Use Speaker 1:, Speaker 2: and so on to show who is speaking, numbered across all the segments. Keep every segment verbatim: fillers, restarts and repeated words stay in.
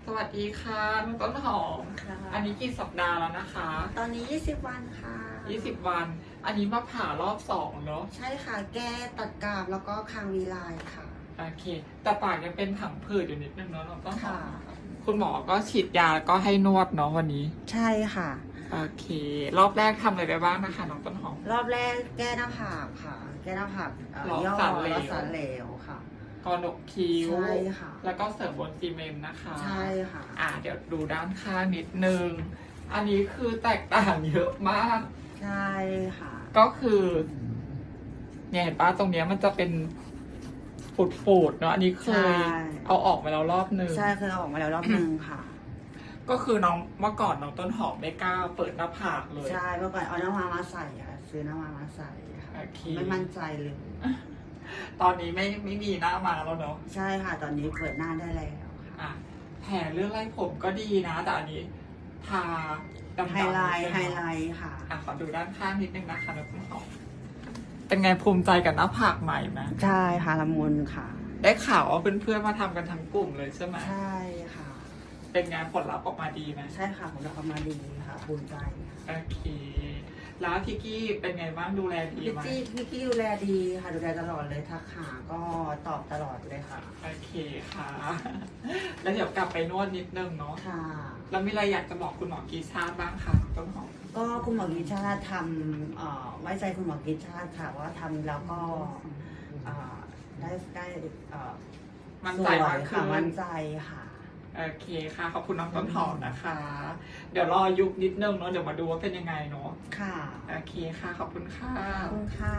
Speaker 1: สวัสดีค่ะน้องต้นหอม
Speaker 2: ค่ะ
Speaker 1: อันนี้กี่สัปดาห์แล้วนะคะ
Speaker 2: ตอนนี้ยี่สิบวันค่ะ
Speaker 1: ยี่สิบวัน อันนี้มาผ่ารอบสองเนาะ
Speaker 2: ใช่ค่ะ แก้ตัดกราบแล้วก็คางวีไลน์ค่ะ
Speaker 1: โอเค แต่ปากยังเป็นผังผืดอยู่นิดนึงเนาะน้องต้นหอ
Speaker 2: ค่ะ
Speaker 1: มคุณหมอก็ฉีดยาแล้วก็ให้นวดเนาะวันนี้
Speaker 2: ใช่ค่ะ
Speaker 1: โอเค รอบแรกทำอะไรไปบ้างนะคะน้องต้นหอม
Speaker 2: รอบแรกแก้หน้าผากค่ะ แก้หน้าผากเอ่อ
Speaker 1: หลอด
Speaker 2: ย่อ
Speaker 1: สันเหลว
Speaker 2: แล้วสันเหลวค่ะ
Speaker 1: กอนกคิ้ว
Speaker 2: ใช่ค่ะ
Speaker 1: แล้วก็เสริมบนซีเมนต์นะคะ
Speaker 2: ใช่ค่ะ
Speaker 1: อ่าเดี๋ยวดูด้านข้างนิดนึง อันนี้คือแตกต่างเยอะมาก
Speaker 2: ใช่ค่ะ
Speaker 1: ก็คือเนี่ยเห็นป้าตรงเนี้ยมันจะเป็นปูดๆเนาะอันนี้เคย
Speaker 2: ใช่
Speaker 1: เอาออกมาแล้วรอบหนึ่ง
Speaker 2: ใช่เคยเอาออกมาแล้วรอบหนึ่งค่ะ
Speaker 1: ก็คือน้องเมื่อก่อนน้องต้นหอมไม่กล้าเปิดหน้าผากเลย
Speaker 2: ใช่เมื่อก่อนเอาหน้ามามาใส่ค่ะซื้อหน้ามามาใส่ค่ะ
Speaker 1: โอเค
Speaker 2: ไม่มั่นใจเลย
Speaker 1: ตอนนี้ไม่ไม่มีหน้ามาแล้วเนาะ
Speaker 2: ใช่ค่ะ ตอนนี้เปิดหน้าได้แล้วค่ะ
Speaker 1: อ่ะแผลเรื่องไล่ผมก็ดีนะแต่อันนี้ทาดำๆ
Speaker 2: ไฮไลท์
Speaker 1: ใช่
Speaker 2: ไฮ
Speaker 1: หม
Speaker 2: ไลท์ค่ะ
Speaker 1: อ่ะขอดูด้านข้างนิดนึงนะคะน้องต้นหอมเป็นไงภูมิใจกับหน้าผากใหม่ไหม
Speaker 2: ใช่ค่ะละมุนค่ะ
Speaker 1: ได้ข่าวว่าเพื่อนๆมาทำกันทั้งกลุ่มเลยใช่ไหม
Speaker 2: ใช่ค่ะ
Speaker 1: เป็นไงผลลัพธ์ออกมาดีไหม
Speaker 2: ใช่ค่ะผมจะทำมาดีค่ะภูมิใจค่ะ
Speaker 1: โอเค แล้วพี่กี้เป็นไงบ้างดูแลดี
Speaker 2: พี่
Speaker 1: ไหม
Speaker 2: จี้พี่กี้ดูแลดีค่ะดูแลตลอดเลยทักหาก็ตอบตลอดเลยค่ะ
Speaker 1: โอเคค่ะ แล้วเดี๋ยวกลับไปนวดนิดนึงเนาะ
Speaker 2: ค่ะ
Speaker 1: แล้วมีอะไรอยากจะบอกคุณหมอกีชาติบ้างคะต้นหอม
Speaker 2: ก็คุณหมอกิจชาติทำเอ่อไว้ใจคุณหมอกิจชาติค่ะว่าทำแล้วก็เอ่อได้ได้เอ่อ
Speaker 1: มั่น
Speaker 2: ส
Speaker 1: ใจ
Speaker 2: วย
Speaker 1: มากขึ้
Speaker 2: ค่ะ
Speaker 1: น
Speaker 2: มั่นใจค่ะ
Speaker 1: โอเคค่ะ ขอบคุณน้องต้นหอมนะคะ เดี๋ยวรอยุบนิดนึงเนาะ เดี๋ยวมาดูว่าเป็นยังไงเนาะ
Speaker 2: ค่ะ
Speaker 1: โอเคค่ะ ขอบคุณค่ะ
Speaker 2: ขอบคุณค่ะ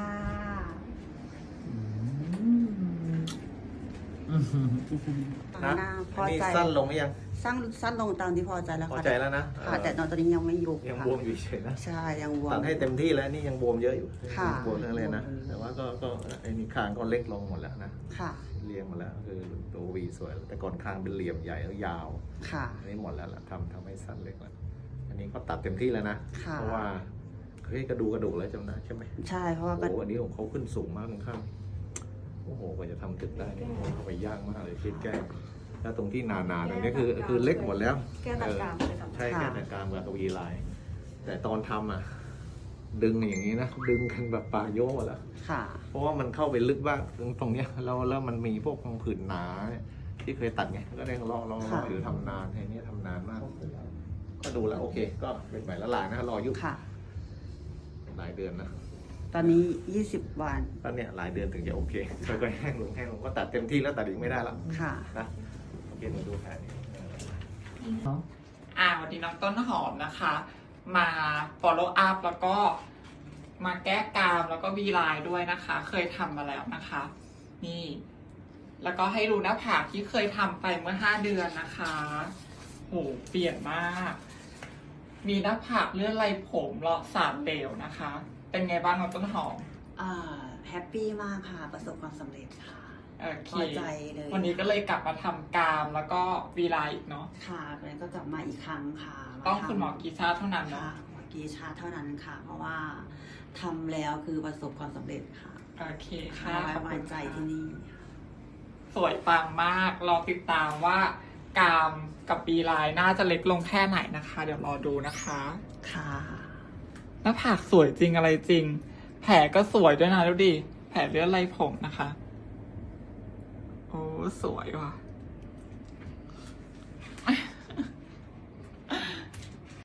Speaker 3: นะ
Speaker 2: หน้าพ
Speaker 3: อั
Speaker 2: อน
Speaker 3: นี้
Speaker 2: ใจ
Speaker 3: สั้นลงหรือยัง
Speaker 2: สั้นสั้นลงตามที่พอใจแล้ว
Speaker 3: พอ
Speaker 2: ค่ะ
Speaker 3: ใจแล้วนะ
Speaker 2: ค่ะ แต่ตอนนี้ยังไม่ยุบ
Speaker 3: ยัง
Speaker 2: ค่ะ
Speaker 3: บวมอยู่เฉยๆนะ
Speaker 2: ใช่ยังบวม
Speaker 3: ตัดให้เต็มที่แล้วนี่ยังบวมเยอะอยู่
Speaker 2: ค่ะ
Speaker 3: บวมทั้งเลยนะ
Speaker 2: บวม
Speaker 3: แต่ว่าก็ก็ไอ้นี่คางก็เล็กลงหมดแล้วนะ
Speaker 2: ค่ะ
Speaker 3: เรียงหมดแล้วคือตัววีสวย แต่ก่อนคางเป็นเหลี่ยมใหญ่แล้วยาว
Speaker 2: ค่ะ
Speaker 3: อันนี้หมดแล้วล่ะทำทำให้สั้นเล็กแล้วอันนี้ก็ตัดเต็มที่แล้วนะ
Speaker 2: ค่ะ
Speaker 3: เพราะว่าเฮ้ยกระดูกกระดูกแล้วจำนะใช่ไหม
Speaker 2: ใช่เพราะว่า
Speaker 3: โอ้
Speaker 2: ก็
Speaker 3: โหอันนี้ของเขาขึ้นสูงมากข้างๆโอ้โหกว่าจะทำตึกได้เนี่ยเข้าไปยากมากเลยคิดแก้แล้วตรงที่หนาๆตรงนี้คือคือเล็กหมดแล้ว
Speaker 4: แก้ตัดกรามเลยค่ะ
Speaker 3: ใช่แค่แต่กลางกับกวีลาย แต่ตอนทำอ่ะ ดึงอย่างนี้นะ ดึงกันแบบปลาโยกแล้ว
Speaker 2: ค่ะ
Speaker 3: เพราะว่ามันเข้าไปลึกบ้างตรงตรงเนี้ยแล้วแล้วมันมีพวกพังผืดหนาที่เคยตัดไงก็ได้ลองลองลองอยู่ทำนานไอ้นี่ทำนานมาก ก็ดูแล้วโอเค ก็เป็นใหม่ละลายนะรอยุบ
Speaker 2: ค่ะ
Speaker 3: หลายเดือนนะ
Speaker 2: ตอนนี้ยี่สิบวัน
Speaker 3: ก็เนี่ยหลายเดือนถึงจะโอเคค่อยๆแห้งลงแห้งลงก็ตัดเต็มที่แล้วตัดอีกไม่ได้แล้ว
Speaker 2: ค่ะ
Speaker 3: นะโอเคมาดูแผลนี้
Speaker 1: อ่าวันนี้น้องต้นหอมนะคะ มา follow up แล้วก็มาแก้กรามแล้วก็วีไลน์ด้วยนะคะ เคยทำมาแล้วนะคะ นี่ แล้วก็ให้ดูหน้าผากที่เคยทำไปเมื่อห้าเดือนนะคะโหเปลี่ยนมาก มีหน้าผากเลื่อนไหลผมเลาะสามเหลวนะคะ เป็นไงบ้างน้องต้นหอม
Speaker 2: อ่าแฮปปี้มากค่ะ ประสบความสำเร็จค่ะ
Speaker 1: โอเค
Speaker 2: พอใจเลย
Speaker 1: วันนี้ก็เลยกลับมาทำกรามแล้วก็วีไลน์อีกเนาะ
Speaker 2: ค่ะแล้วก็กลับมาอีกครั้งค่ะ
Speaker 1: ต้อง
Speaker 2: าทำ
Speaker 1: คุณหมอกีชาเท่านั้นเนาะ
Speaker 2: ค่ะหมอกีชาเท่านั้นค่ะ เพราะว่าทำแล้วคือประสบความสำเร็จค่ะ
Speaker 1: โอเค
Speaker 2: ค่ะ
Speaker 1: ค่ะ
Speaker 2: ไว้
Speaker 1: ขอบ
Speaker 2: วา
Speaker 1: คุ
Speaker 2: ง
Speaker 1: ณ
Speaker 2: ใจ
Speaker 1: ค่ะ
Speaker 2: ที่นี่ค่ะ
Speaker 1: สวยปังมาก รอติดตามว่ากรามกับบีไลน์น่าจะเล็กลงแค่ไหนนะคะ เดี๋ยวรอดูนะคะ
Speaker 2: ค่ะ
Speaker 1: หน้าผากสวยจริงอะไรจริง แผลก็สวยด้วยนะดูดิ แผลเลือดไหลผมนะคะ โอ้สวยว่ะ